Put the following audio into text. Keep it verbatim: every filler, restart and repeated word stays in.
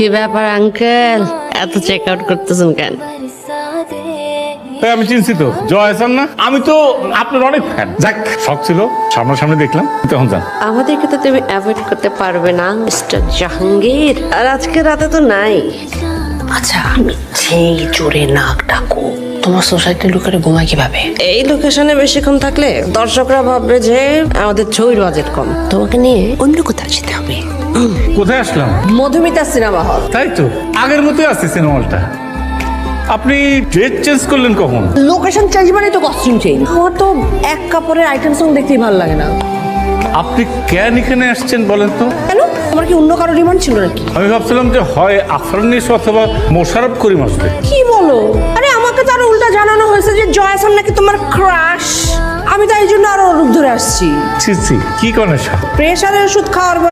কি ব্যাপার আঙ্কেল, এত চেক আউট করতেছেন কেন? আমি চিন্তিত জয় হাসান না, আমি তো আপনার অনেক ফ্যান। যাক, শখ ছিল, সামনাসামনি দেখলাম, তখন যান। আমাদেরকে তো তুমি অ্যাভয়েড করতে পারবে না মিস্টার জাহাঙ্গীর, আর আজকে রাতে তো নাই। আচ্ছা, যেই জোরে নাক ডাকো, তোমার সোসাইটির লোকেরা ঘুমায় কিভাবে? এই লোকেশনে বেশিক্ষণ থাকলে দর্শকরা ভাববে যে আমাদের ছবির বাজেট কম। তোমাকে নিয়ে অন্য কোথাও যেতে হবে। কোথায় আসলাম? Madhumita cinema hall. তাই তো, আগের মতোই আছে সিনেমাটা। আপনি ড্রেস চেঞ্জ করলেন কখন? লোকেশন চেঞ্জ মানে তো কস্টিউম চেঞ্জ। আমার তো এক কাপড়ের আইটেম সং দেখতেই ভালো লাগে না। আপনি কেন এখানে আসছেন বলেন তো? কেন, তোমার কি অন্য কারো ডিমান্ড ছিল নাকি? আমি ভাবছিলাম যে হয় আফরানিস অথবা মোশাররফ করিম আসবে। কি বলো? আরে আমাকে তো আরো উল্টা জানানো হয়েছে যে জয়সান নাকি তোমার ক্রাশ। আমি তো এই জন্য আরো রূপ ধরে আসছি। ছি ছি, কি করেন সব? প্রেশারের ওষুধ খাওয়ার